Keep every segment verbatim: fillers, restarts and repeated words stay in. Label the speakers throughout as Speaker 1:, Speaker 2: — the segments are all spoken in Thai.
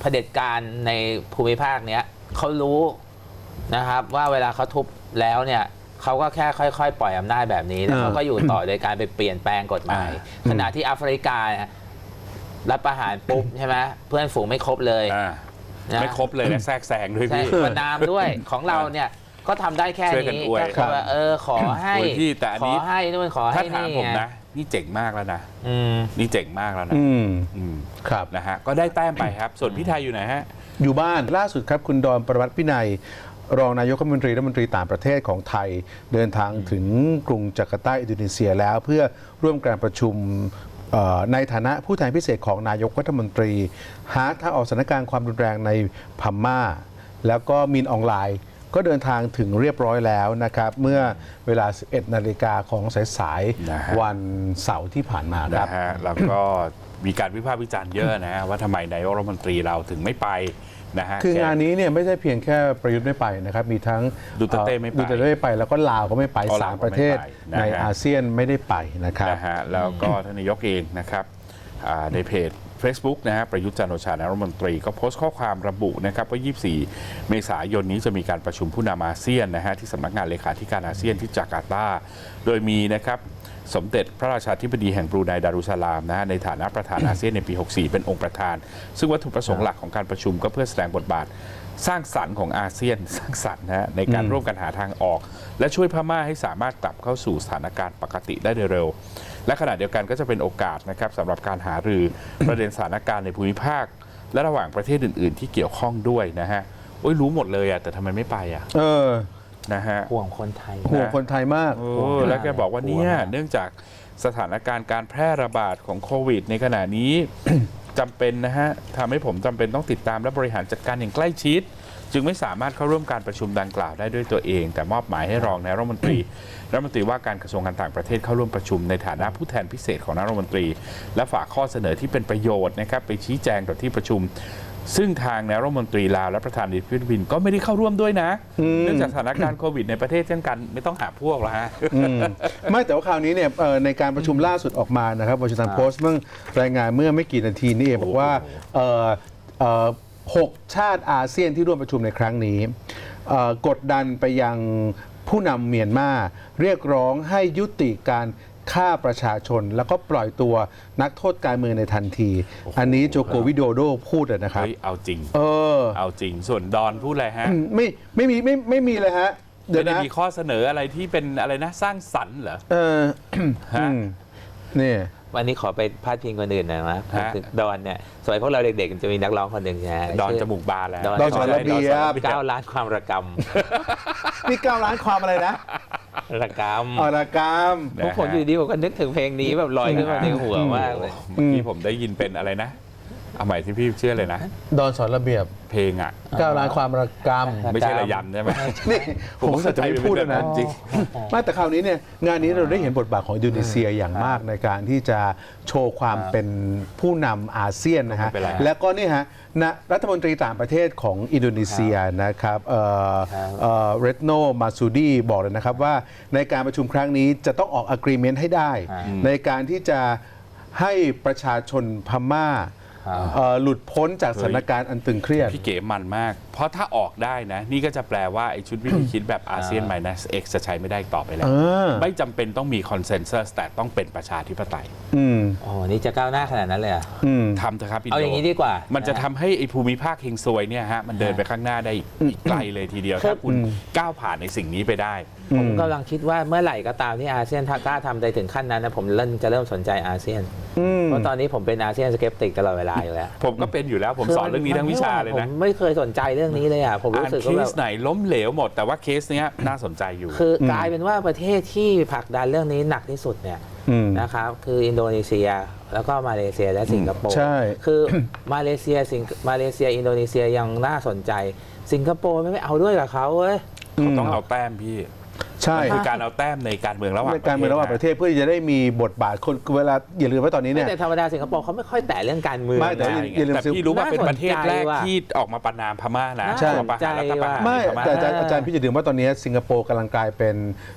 Speaker 1: เผด็จการในภูมิภาคเนี้ยเขารู้นะครับว่าเวลาเขาทุบแล้วเนี่ยเขาก็แค่ค่อยๆปล่อยอำนาจแบบนี้แล้วเขาก็อยู่ต่อโดยการไปเปลี่ยนแปลงกฎหมายขณะที่แอฟริการัฐประหารปุ๊บใช่ไหมเพื่อนฝูงไม่ครบเลย
Speaker 2: ไม่ครบเลยและแทรกแซงด้วยพี่
Speaker 1: ประนามด้วยของเราเนี่ยก็ทำได้แค่นี้ก็คือว่าเออขอให้ขอให้นู่นขอให้นี่
Speaker 2: ผมนะนี่เจ๋งมากแล้วนะนี่เจ๋งมากแล้วนะ
Speaker 3: ครับ
Speaker 2: นะฮะก็ได้แต้มไปครับส่วนพี่ไทยอยู่ไหนฮะ
Speaker 3: อยู่บ้านล่าสุดครับคุณดอนประวัติพินัยรองนายกรัฐมนตรีรัฐมนตรีต่างประเทศของไทยเดินทางถึงกรุงจาการ์ตาอินโดนีเซียแล้วเพื่อร่วมการประชุมในฐานะผู้แทนพิเศษของนายกรัฐมนตรีหาทางออกสถานการณ์ความรุนแรงในพม่าแล้วก็มินออนไลน์ก็เดินทางถึงเรียบร้อยแล้วนะครับเมื่อเวลา สิบเอ็ดนาฬิกาของสายๆวันเสาร์ที่ผ่านมาครับ
Speaker 2: นะฮะแล้วก็มีการวิพากษ์วิจารณ์เยอะนะว่าทำไมนายกรัฐมนตรีเราถึงไม่ไปนะฮะ
Speaker 3: คืองานนี้เนี่ยไม่ใช่เพียงแค่ประยุทธ์ไม่ไปนะครับมีทั้ง
Speaker 2: ดูเตเต้ไม่ไป
Speaker 3: ดูเตเต้ไม่ไปแล้วก็ลาวก็ไม่ไปสามประเทศในอาเซียนไม่ได้ไปนะครับ
Speaker 2: นะฮะแล้วก็ท่านนายกเองนะครับในเพจ Facebook นะฮะประยุทธ์จันทร์โอชานายกรัฐมนตรีก็โพสต์ข้อความระบุนะครับว่ายี่สิบสี่เมษายนนี้จะมีการประชุมผู้นำอาเซียนนะฮะที่สำนักงานเลขาธิการอาเซียนที่จาการ์ตาโดยมีนะครับสมเด็จพระราชาธิบดีแห่งบรูไนดารุสสลามนะฮะในฐานะประธานอาเซียนในปีหกสิบสี่เป็นองค์ประธานซึ่งวัตถุประสงค์หลักของการประชุมก็เพื่อแสดงบทบาทสร้างสรรค์ของอาเซียนสร้างสรรค์นะฮะในการร่วมกันหาทางออกและช่วยพม่าให้สามารถกลับเข้าสู่สถานการณ์ปกติได้โดยเร็วและขณะเดียวกันก็จะเป็นโอกาสนะครับสำหรับการหารือประเด็นสถานการณ์ในภูมิภาคและระหว่างประเทศอื่นๆที่เกี่ยวข้องด้วยนะฮะโอ้ยรู้หมดเลยอ่ะแต่ทำไมไม่ไปอ่ะ
Speaker 3: เออ
Speaker 2: นะฮะ
Speaker 1: ห่วงคนไทย
Speaker 3: ห่วงคนไทยมาก
Speaker 2: แล้วแกบอกว่าเนี่ยเนื่องจากสถานการณ์การแพร่ระบาดของโควิดในขณะนี้ จำเป็นนะฮะทำให้ผมจำเป็นต้องติดตามและบริหารจัดการอย่างใกล้ชิดจึงไม่สามารถเข้าร่วมการประชุมดังกล่าวได้ด้วยตัวเองแต่มอบหมายให้รองนายรัฐมนตรีรัฐมนตรีว่าการกระทรวงการต่างประเทศเข้าร่วมประชุมในฐานะผู้แทนพิเศษของนายรัฐมนตรีและฝากข้อเสนอที่เป็นประโยชน์นะครับไปชี้แจงต่อที่ประชุมซึ่งทางนายรัฐมนตรีลาวและประธานาธิบดีฟิลิปปินส์ก็ไม่ได้เข้าร่วมด้วยนะเนื่องจากสถานการณ์โควิดในประเทศเช่นกันไม่ต้องหาพวกหรอกฮะ
Speaker 3: ไม่แต่ว่าคราวนี้เนี่ยในการประชุมล่าสุดออกมานะครับวอชิงตันโพสต์เมื่อรายงานเมื่อไม่กี่นาทีนี้เองบอกว่าหกชาติอาเซียนที่ร่วมประชุมในครั้งนี้กดดันไปยังผู้นำเมียนมาเรียกร้องให้ยุติการฆ่าประชาชนแล้วก็ปล่อยตัวนักโทษการเมืองในทันทีอันนี้โจโกวิโดโดพูดนะครับ
Speaker 2: เอาจริง
Speaker 3: เออ
Speaker 2: เอาจริงส่วนดอนพูดอะไรฮะ
Speaker 3: ไม่ไม่มีไม่ไม่มีเลยฮะ
Speaker 2: เดี๋ยวนะมีข้อเสนออะไรที่เป็นอะไรนะสร้างสรรค์เหรอ
Speaker 3: เออฮะนี่
Speaker 1: วันนี้ขอไปพาดพิงคนอื่นหน่อยนะดอนเนี่ยสมัยพวกเราเด็กๆจะมีนักร้องคนหนึ่งนะ
Speaker 2: ดอนจมูกบานแล้ว
Speaker 3: ดอนสอนระเบียบ
Speaker 1: เก้าล้านความระก
Speaker 3: ำนี่เก้าล้านความอะไรนะ
Speaker 1: ระกำ
Speaker 3: อ๋อระก
Speaker 1: ำผมผมอยู่ดีผมก็นึกถึงเพลงนี้แบบลอยขึ้นมาในหัวมากเลย
Speaker 2: เมื่อกี้ผมได้ยินเป็นอะไรนะเอาใหม่ที่พี่เชื่อเลยนะ
Speaker 3: ดอนสอนระเบียบ
Speaker 2: เพลงอ่ะ
Speaker 3: เก้าล้านความระกำ
Speaker 2: ไม่ใช่ระยำใช่ไหม
Speaker 3: นี่ผมจะไม่พูดนะจริงไม่แต่คราวนี้เนี่ยงานนี้เราได้เห็นบทบาทของอินโดนีเซียอย่างมากในการที่จะโชว์ความเป็นผู้นำอาเซียนนะฮะแล้วก็นี่ฮะรัฐมนตรีต่างประเทศของอินโดนีเซียนะครับเรตโนมาซูดีบอกเลยนะครับว่าในการประชุมครั้งนี้จะต้องออก agreement ให้ได้ในการที่จะให้ประชาชนพม่าหลุดพ้นจากสถานการณ์อันตึงเครียด
Speaker 2: พี่เก๋มันมากเพราะถ้าออกได้นะนี่ก็จะแปลว่าไอ้ชุดวิธีคิดแบบอาเซียน minus x จะใช้ไม่ได้ต่อไปแล้วไม่จำเป็นต้องมีคอนเซนแซสแต่ต้องเป็นประชาธิปไตย
Speaker 1: อ๋อนี่จะก้าวหน้าขนาดนั้นเลยอ่ะ
Speaker 2: ทำเถอะครับ
Speaker 1: เอาอย่างนี้ดีกว่า
Speaker 2: มันจะทำให้ไอ้ภูมิภาคเฮงซวยเนี่ยฮะมันเดินไปข้างหน้าได้อีกไกลเลยทีเดียวถ้าคุณก้าวผ่านในสิ่งนี้ไปได้
Speaker 1: ผมกำลังคิดว่าเมื่อไหร่ก็ตามที่อาเซียนกล้าทำได้ถึงขั้นนั้นนะผมเริ่มจะเริ่มสนใจอาเซียนเพราะตอนนี้ผมเป็นอาเซียนสเกปติกตลอดเวลาอยู่แล้ว
Speaker 2: ผมก็เป็นอยู่แล้วผมสอนเรื่องนี้ทั้งวิชาเลยนะ
Speaker 1: ผมไม่เคยสนใจเรื่องนี้เลยอ่ะผมรู้สึกว่า
Speaker 2: เคสไหนล้มเหลวหมดแต่ว่าเคสเนี้ยน่าสนใจอยู่
Speaker 1: คือกลายเป็นว่าประเทศที่ผลักดันเรื่องนี้หนักที่สุดเนี่ยนะครับคืออินโดนีเซียแล้วก็มาเลเซียและสิงคโปร์
Speaker 3: ใช่
Speaker 1: คือมาเลเซียสิงมาเลเซียอินโดนีเซียยังน่าสนใจสิงคโปร์ไม่เอาด้วยกับเขาเว้ย
Speaker 2: เขาต้องเอาแต้มพี่
Speaker 3: ใช่
Speaker 2: คือการเอาแต้มในการเมืองระหว่าง
Speaker 3: การเมืองระหว่างประเทศเพื่อจะได้มีบทบาทคนเวลาอย่าลืมว่าตอนนี้เนี่ย
Speaker 1: แต่ธรรมดาสิงคโปร์เขาไม่ค่อยแตะเรื่องการเมือง
Speaker 3: ไม่แต่
Speaker 2: แต่พี่รู้ว่าเป็นประเทศแรกที่ออกมาประนามพม่านะ
Speaker 3: ใช่
Speaker 2: ประหารรัฐประหาร
Speaker 3: ไม่แต่อาจารย์พี่จะลืมว่าตอนนี้สิงคโปร์กำลังกลายเป็น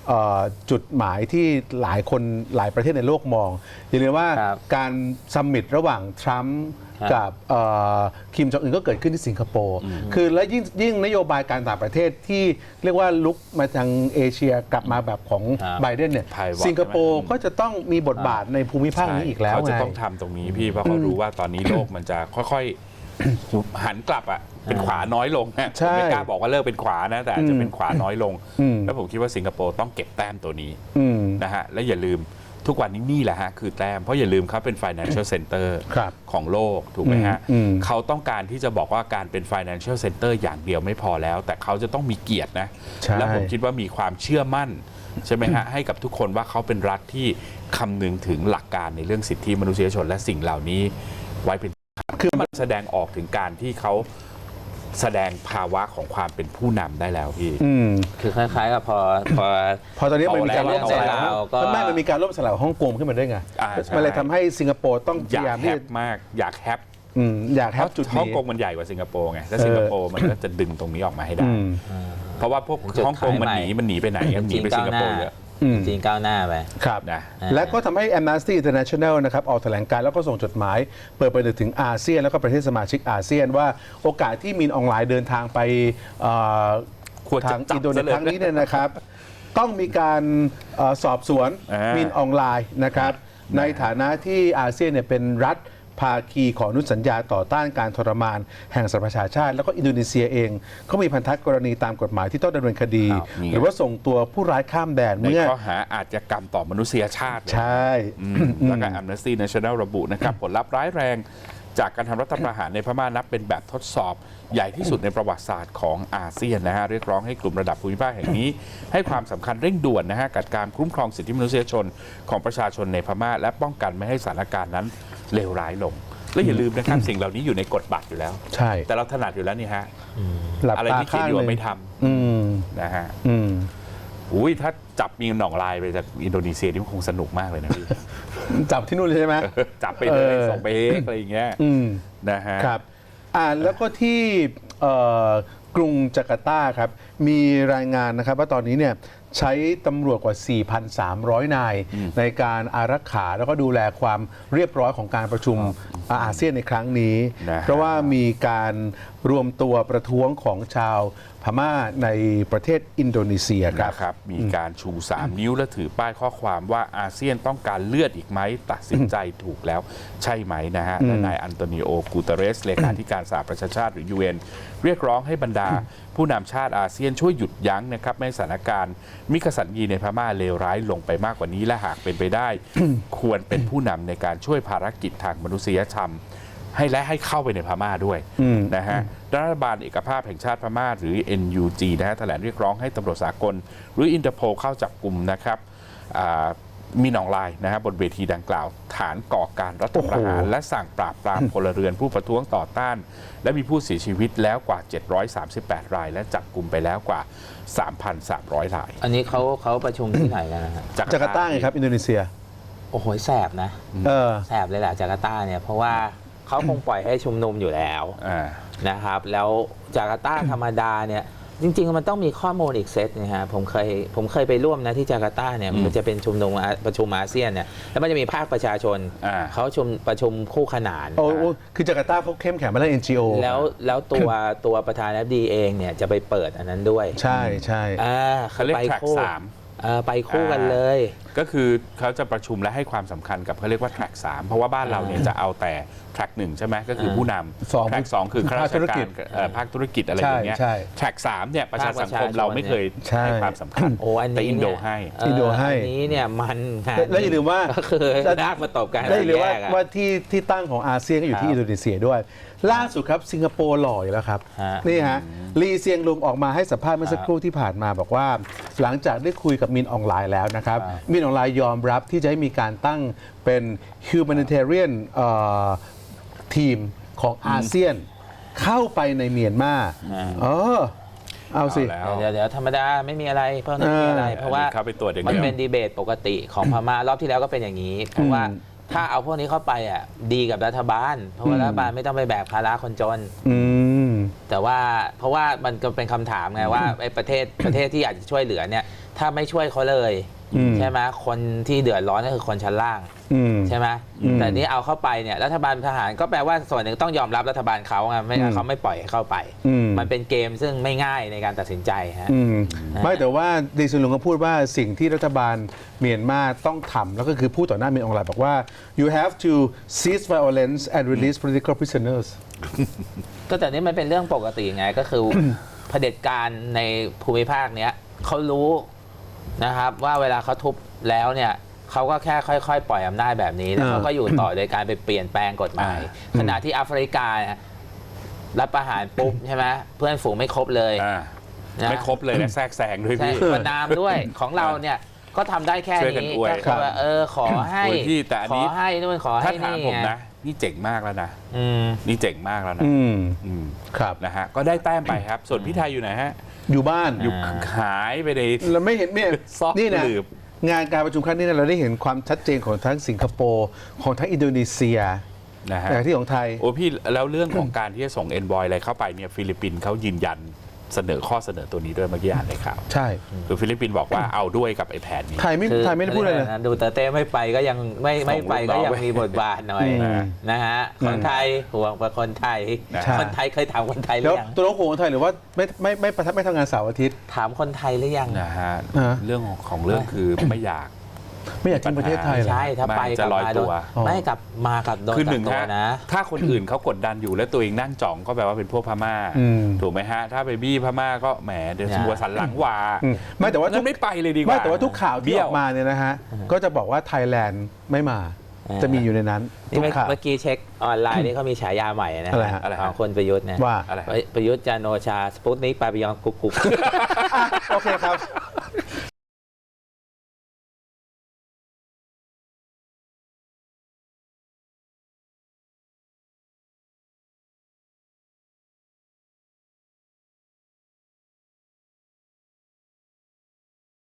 Speaker 3: เอ่อจุดหมายที่หลายคนหลายประเทศในโลกมองอย่าลืมว่า
Speaker 1: ครับ
Speaker 3: การซัมมิตระหว่างทรัมป์
Speaker 1: ครับ
Speaker 3: กับเอ่อคิมจองอึนก็เกิดขึ้นที่สิงคโปร์คือและยิ่งยิ่งนโยบายการต่างประเทศที่เรียกว่าลุกมาทางเอเชียกลับมาแบบของ
Speaker 1: ครับ
Speaker 3: ไบเดนเนี่ย
Speaker 2: Pivot
Speaker 3: สิงคโปร์
Speaker 2: ใช่ไหม
Speaker 3: ก็จะต้องมีบทบาทในภูมิภาคนี้อีกแล้ว
Speaker 2: เขาจะ
Speaker 3: ไง
Speaker 2: ต้องทำตรงนี้พี่เพราะเขารู้ว่าตอนนี้โลกมันจะค่อยๆ หันกลับอ่ะเป็นขวาน้อยลงนะ
Speaker 3: ใช่
Speaker 2: ผมไม่กล้าบอกว่าเลิกเป็นขวานะแต่อาจจะเป็นขวาน้อยลง
Speaker 3: อืม
Speaker 2: แล้วผมคิดว่าสิงคโปร์ต้องเก็บแต้มตัวนี้
Speaker 3: อืม
Speaker 2: นะฮะและอย่าลืมทุกวันนี้นี่แหละฮะคือแต้มเพราะอย่าลืมเขาเป็น financial center
Speaker 3: ครับ
Speaker 2: ของโลกถูกไหมฮะ
Speaker 3: อืมอืม
Speaker 2: เขาต้องการที่จะบอกว่าการเป็น financial center อย่างเดียวไม่พอแล้ว แต่เขาจะต้องมีเกียรตินะ
Speaker 3: ใช่
Speaker 2: และผมคิดว่ามีความเชื่อมั่นใช่ไหมฮะให้กับทุกคนว่าเขาเป็นรัฐที่คำนึงถึงหลักการในเรื่องสิทธิมนุษยชนและสิ่งเหล่านี้ไว้เป็นคือมันแสดงออกถึงการที่เขาแสดงภาวะของความเป็นผู้นำได้แล้วพี่
Speaker 3: อืม
Speaker 1: คือคล้ายๆกับพอพอ
Speaker 3: พอตอนนี้มันมีการล่มสลาย
Speaker 1: เอาแล้วก็
Speaker 3: ไม่มันมีการล่มสลายของฮ่องกงขึ้นมาด้วยไง
Speaker 2: อ่าใช่
Speaker 3: มันเลยทำให้สิงคโปร์ต้องพายาม
Speaker 2: อยายกแฮ
Speaker 3: ที่
Speaker 2: ปมากอยากแฮป
Speaker 3: อืมอยากแฮ
Speaker 2: เพ
Speaker 3: ป
Speaker 2: ราะ
Speaker 3: จุด
Speaker 2: ฮ่อง
Speaker 3: นี้
Speaker 2: กงมันใหญ่กว่าสิงคโปร์ไงแล้วสิงคโปร์มันก็จะดึงตรงนี้ออกมาให้ได้
Speaker 3: อืม
Speaker 2: เพราะว่าพวก
Speaker 1: จุด
Speaker 2: ฮ่องกงมัน
Speaker 1: ขาย
Speaker 2: ห
Speaker 1: ใหม่
Speaker 2: นีมันหนีไปไหนมันหนีไปสิงคโปร์เยอะ
Speaker 3: อืม
Speaker 1: จริงก้าวหน้าไป
Speaker 3: ครับ
Speaker 2: นะ
Speaker 1: อ่า
Speaker 3: และก็ทำให้ Amnesty International นะครับออกแถลงการณ์แล้วก็ส่งจดหมาย เปิดไปถึงอาเซียน แล้วก็ประเทศสมาชิกอาเซียนว่าโอกาสที่มินออนไลน์เดินทางไปเอ่อ
Speaker 2: ควรจะ
Speaker 3: ทาง
Speaker 2: จับ
Speaker 3: อินโดนี
Speaker 2: ซะ
Speaker 3: เซี
Speaker 2: เลย ย
Speaker 3: ครั้งนี้เนี่ยนะครับ ต้องมีการเอ่อสอบสวน
Speaker 2: อ่ามิ
Speaker 3: มินออนไลน์นะครับ ในฐานะที่อาเซียนเนี่ยเป็นรัฐภาคีของอนุสัญญาต่อต้านการทรมานแห่งสหประชาชาติ แล้วก็อินโดนีเซียเองก็มีพันธกรณีตามกฎหมายที่ต้องดำเนินคดี
Speaker 2: ครับนี่
Speaker 3: หรือว่าส่งตัวผู้ร้ายข้ามแดน
Speaker 2: ใน
Speaker 3: เมื่อ
Speaker 2: ข้อหาอาชญากรรมต่อมนุษยชาติเลย
Speaker 3: ใช่
Speaker 2: อืมแล้วก็ Amnesty International ระบุนะครับผลลัพธ์ร้ายแรงจากการทำรัฐประหารในพม่านับเป็นแบบทดสอบใหญ่ที่สุดในประวัติศาสตร์ของอาเซียนนะฮะเรียกร้องให้กลุ่มระดับภูมิภาคแห่งนี้ ให้ความสำคัญเร่งด่วนนะฮะกับการคุ้มครองสิทธิมนุษยชนของประชาชนในพม่าและป้องกันไม่ให้สถานการณ์นั้นเลวร้ายลง และอย่าลืมนะครับ สิ่งเหล่านี้อยู่ในกฎบัตรอยู่แล้ว
Speaker 3: ใช่
Speaker 2: แต่เราถนัดอยู่แล้วนี่ฮะ
Speaker 3: หลับ
Speaker 2: อะไร
Speaker 3: ตา
Speaker 2: ที่คิด
Speaker 3: ข้าง
Speaker 2: อยู่
Speaker 3: ห
Speaker 2: ว่า
Speaker 3: นึ่ง
Speaker 2: ไม่ท
Speaker 3: อืม
Speaker 2: ำนะฮะ
Speaker 3: อืม
Speaker 2: อุ้ยถ้าจับมีหนองลายไปจากอินโดนีเซียนี่มันคงสนุกมากเลยนะพี่
Speaker 3: จับที่นู่นเลยใช่ไหม
Speaker 2: จับไปเลย
Speaker 3: เออ
Speaker 2: ส่งไปเองอะไรอย่างเงี้ย
Speaker 3: อืม
Speaker 2: นะฮะ
Speaker 3: ครับอ่าแล้วก็ที่เอ่อกรุงจาการ์ตาครับ มีรายงานนะครับว่าตอนนี้เนี่ยใช้ตำรวจกว่า สี่พันสามร้อย นาย ในการอารักขาแล้วก็ดูแลความเรียบร้อยของการประชุมอาเซียนในครั้งนี้
Speaker 2: นะฮะ
Speaker 3: เพราะว่ามีการรวมตัวประท้วงของชาวพม่าในประเทศอินโดนีเซียครับ
Speaker 2: นะครับมีการชู สาม นิ้วและถือป้ายข้อความว่าอาเซียนต้องการเลือดอีกไหมตัดสินใจถูกแล้วใช่ไหมนะฮะและนายอันโตนิโอ กูเตเรสเลขาธิการสหประชาชาติหรือ ยู เอ็น เรียกร้องให้บรรดาผู้นำชาติอาเซียนช่วยหยุดยั้งนะครับไม่ให้สถานการณ์มิกสันยีในพม่าเลวร้ายลงไปมากกว่านี้และหากเป็นไปได้ ควรเป็นผู้นำในการช่วยภารกิจทางมนุษยธรรม ให้และให้เข้าไปในพม่าด้วยนะฮะรัฐบาลเอกภาพแห่งชาติพม่าหรือ เอ็น ยู จี นะฮะแถลงเรียกร้องให้ตำรวจสากล หรืออินเตอร์โพลเข้าจับกลุ่มนะครับอ่ามีหนองลายนะฮะบนเวทีดังกล่าว ฐานก่อการรัฐประหาร
Speaker 3: โอ้โห
Speaker 2: และสั่งปราบปรามพลเรือนผู้ประท้วงต่อต้าน และมีผู้เสียชีวิตแล้วกว่า เจ็ดร้อยสามสิบแปด ราย และจับกลุ่มไปแล้วกว่า สามพันสามร้อย ราย
Speaker 1: อันนี้เขาเขาประชุมที่ไหนกันนะฮะ
Speaker 3: จาการ์ตาไงครับอินโดนีเซีย
Speaker 1: โอ้โหแสบนะ
Speaker 3: เออ
Speaker 1: แสบเลยแหละจาการ์ตาเนี่ยเพราะว่าเขาคงปล่อยให้ชุมนุมอยู่แล้ว
Speaker 2: อ่า
Speaker 1: นะครับ แล้วจาการ์ตาธรรมดาเนี่ยจริงๆมันต้องมีข้อมูลอีกเซตนะฮะผมเคยผมเคยไปร่วมนะที่จาการ์ตาเนี่ย
Speaker 2: อืม
Speaker 1: มันจะเป็นชุมนุมอาประชุมอาเซียนเนี่ยแล้วมันจะมีภาคประชาชน
Speaker 2: อ่า
Speaker 1: เขาชุมประชุมคู่ขนาน
Speaker 3: โอ้โอ้คือจาการ์ตาเขาเข้มแข็งมาเรื่อง เอ็น จี โอ
Speaker 1: แล้วแล้วตัวตัวประธานาธิบดีเองเนี่ยจะไปเปิดอันนั้นด้วย
Speaker 3: ใช่ใช่
Speaker 1: อ่า
Speaker 2: เขาเรียก
Speaker 1: ไป
Speaker 2: track
Speaker 1: คู่
Speaker 2: สาม
Speaker 1: เออไปคู่กันเลย
Speaker 2: ก็คือเขาจะประชุมและให้ความสำคัญกับเขาเรียกว่า track สามเพราะว่าบ้านเราเนี่ยจะเอาแต่ track หนึ่งใช่ไหมก็คือผู้น
Speaker 3: สอง
Speaker 2: ำ track สองคือข้าราช
Speaker 3: ภาคธุรกิ
Speaker 2: กา
Speaker 3: จ
Speaker 2: รเอ่อภาคธุรกิจอะไรอย่างเงี้ย
Speaker 3: ใช่
Speaker 2: track สามเนี่ยประชาสังคม
Speaker 1: ภาคประชาชน
Speaker 2: เราไม่เคย
Speaker 3: ใช่
Speaker 2: ให้ความสำคัญ
Speaker 1: โอ้อันนี้
Speaker 2: แต่อินโด
Speaker 1: เย
Speaker 2: ให้
Speaker 1: เ
Speaker 3: อินโดให้
Speaker 1: อันนี้เนี่ยมันงาน
Speaker 3: แล้วอย่าลืมว่า
Speaker 1: ก็คือรากมาตบกัน
Speaker 3: ได้เลยว่า
Speaker 1: แกอะ
Speaker 3: ว่าที่ที่ตั้งของอาเซียนก็อยู่ที่
Speaker 1: ครับ
Speaker 3: อินโดนีเซียด้วย ล่าสุดครับสิงคโปร์หล่ออยู่แล้วครับ
Speaker 1: ฮะ
Speaker 3: นี่ฮะลีเซียงลุงออกมาให้สัมภาษณ์เมื่อสักครู่ที่ผ่านมาบอกว่า หลังจากได้คุยกับมินออนไลน์แล้วนะครับ
Speaker 1: ครับ
Speaker 3: มินออนไลน์ยอมรับที่จะให้มีการตั้งเป็น humanitarian เอ่อทีมของอาเซียน เข้าไปในเมียนมาเออเอาสิ
Speaker 2: เอาแล้ว
Speaker 1: เดี๋ยวเดี๋ยวธรรมดาไม่มีอะไรเพราะไม่มีอะไร
Speaker 3: เออ
Speaker 1: เพราะว่า
Speaker 2: เข้าไปตรวจอย่าง
Speaker 1: มัน
Speaker 2: เดียว
Speaker 1: เป็นดีเบตปกติของพม่ารอบที่แล้วก็เป็นอย่างนี้ เพราะว่าถ้าเอาพวกนี้เข้าไปอ่ะดีกับรัฐบาล เพราะว่ารัฐบาลไม่ต้องไปแบกภาระคนจน
Speaker 3: อืม
Speaker 1: แต่ว่าเพราะว่ามันก็เป็นคำถามไงว่าไอ้ประเทศประเทศที่อยากจะช่วยเหลือเนี่ยถ้าไม่ช่วยเขาเลย
Speaker 3: อืม
Speaker 1: ใช่ไหมคนที่เดือดร้อนก็คือคนชั้นล่าง
Speaker 3: อืม
Speaker 1: ใช่ไหม
Speaker 3: อืม
Speaker 1: แต่นี่เอาเข้าไปเนี่ยรัฐบาลทหารก็แปลว่าส่วนหนึ่งต้องยอมรับรัฐบาลเขาไงไม่งั้นเขาไม่ปล่อยให้เข้าไป
Speaker 3: อืม
Speaker 1: มันเป็นเกมซึ่งไม่ง่ายในการตัดสินใจฮะ
Speaker 3: อืมไม่แต่ว่าดีซุนลุงก็พูดว่าสิ่งที่รัฐบาลเมียนมาต้องทำแล้วก็คือพูดต่อหน้าเมียนออนไลน์บอกว่า you have to cease violence and release political prisoners
Speaker 1: ก็แต่นี่มันเป็นเรื่องปกติไงก็คือ เผด็จการในภูมิภาคเนี้ยเขารู้นะครับว่าเวลาเขาทุบแล้วเนี่ยเขาก็แค่ค่อยๆ ปล่อยอำนาจแบบนี้แล้วเขาก็อยู่ต่อโดยการไปเปลี่ยนแปลงกฎหมาย ขณะที่แอฟริกาเนี่ยรับประหารปุ๊บใช่ไหมเพื่อนฝูงไม่ครบเลย
Speaker 2: อ่า
Speaker 1: นะ
Speaker 2: ไม่ครบเลยและแทรกแซงด้วย
Speaker 1: ใช่
Speaker 2: พี่
Speaker 1: ประนามด้วยของเราเนี่ยก็ทำได้แค่
Speaker 2: ช่วยกัน
Speaker 1: นี้
Speaker 2: อวย
Speaker 1: ก็คือว่าเออขอให้
Speaker 2: โอ้ยพี่แต่อัน
Speaker 1: ข
Speaker 2: นี้
Speaker 1: อให้นู่นขอ
Speaker 2: ถ้า
Speaker 1: ให้
Speaker 2: ถาม
Speaker 1: นี่
Speaker 2: ผม
Speaker 1: ไง
Speaker 2: นะ นี่เจ๋งมากแล้วนะ
Speaker 1: อืม
Speaker 2: นี่เจ๋งมากแล้วนะ
Speaker 3: อืม
Speaker 2: อืม
Speaker 3: ครับ
Speaker 2: นะฮะก็ได้แต้มไปครับ ส่วนพี่ไทยอยู่ไหนฮะ
Speaker 3: อยู่บ้าน
Speaker 2: อยู่หายไปใน
Speaker 3: เราไม่เห็นเนี่ย
Speaker 2: ซอก
Speaker 3: นี่นะ
Speaker 2: หลืบ
Speaker 3: งานการประชุมครั้งนี้เนี่ยเราได้เห็นความชัดเจนของทั้งสิงคโปร์ของทั้งอินโดนีเซีย
Speaker 2: นะฮะ
Speaker 3: แต่ที่ของไทย
Speaker 2: โอ้พี่แล้วเรื่องของการที่จะส่งเอ็นบอยอะไรเข้าไปเนี่ยฟิลิปปินส์เขายืนยันเสนอข้อเสนอตัวนี้ด้วยเมื่อกี้อ่านในข่าว
Speaker 3: ใช่
Speaker 2: คือฟิลิปปินส์บอกว่าเอาด้วยกับไอ้แผนนี้
Speaker 3: ไทยไม่
Speaker 1: คือ
Speaker 3: ไทยไม่ได้พูดอะไรเลย
Speaker 1: นะดูเตอร์เต้ไม่ไปก็ยังไม่ไม่ไปก็ยังมีบทบาทหน่อย
Speaker 3: อืม
Speaker 1: นะฮะคนไทยห่วงประคนไทย
Speaker 3: ใช่
Speaker 1: คนไทยเคยถามคนไทยหรื
Speaker 3: แล้ว
Speaker 1: อยัง
Speaker 3: ตัวน้องโขงไทยหรือว่าไม่ไม่ไม่ไม่ไม่ทำงานเสาร์อาทิตย์
Speaker 1: ถามคนไทยหรือยัง
Speaker 2: นะฮะ
Speaker 3: อ่า
Speaker 2: เรื่องของของเรื่องคือไม่อยาก
Speaker 3: ไม่อยากทิ้งประเทศไทยเหรอ
Speaker 1: ใช่ถ้าไป
Speaker 2: ไม่
Speaker 1: ก
Speaker 2: จะ
Speaker 1: ลับ
Speaker 2: ลอย
Speaker 1: มา
Speaker 2: ตั
Speaker 1: โดน
Speaker 2: ว
Speaker 3: อ๋อ
Speaker 1: ไม่กลับมากับโดน
Speaker 2: คือห
Speaker 1: จั
Speaker 2: นึ่
Speaker 1: บ
Speaker 2: ง
Speaker 1: ตัว
Speaker 2: ฮะ
Speaker 1: นะ
Speaker 2: ถ้าคนอื่นเขากดดันอยู่แล้วตัวเองนั่งจ่องก็แปลว่าเป็นพวกพม่า
Speaker 3: อืม
Speaker 2: ถูกไหมฮะ ถ้าไปบี้พม่าก็แหมเดี๋ยวหัวสันหลังวา
Speaker 3: อืมไม่แต่ว่าทุ
Speaker 2: งั้
Speaker 3: ก
Speaker 2: นไม่ไปเลยดีกว่า
Speaker 3: ไม่แต่ว่าทุกข่าวที่
Speaker 2: เบี้
Speaker 3: อ
Speaker 2: ยว
Speaker 3: อกมาเนี่ยนะฮะ ก็จะบอกว่าไทยแลนด์ไม่มา
Speaker 1: อ่า
Speaker 3: จะมีอยู่ในนั้น
Speaker 1: นี่
Speaker 3: ทุก
Speaker 1: เมื่อ
Speaker 3: ข่าว
Speaker 1: เมื่อกี้เช็คออนไลน์นี่เขามีฉายาใหม่นะ
Speaker 3: อะไรฮะ
Speaker 2: อะไรฮะ
Speaker 1: ของคนประยุทธ์เนี่ย
Speaker 3: ว่า
Speaker 2: อะไร
Speaker 1: ประยุทธ์จันทร์โอชาสปุตนิกปาปิยองกุ๊กกุ๊ก
Speaker 3: อ่ะโอเคครับ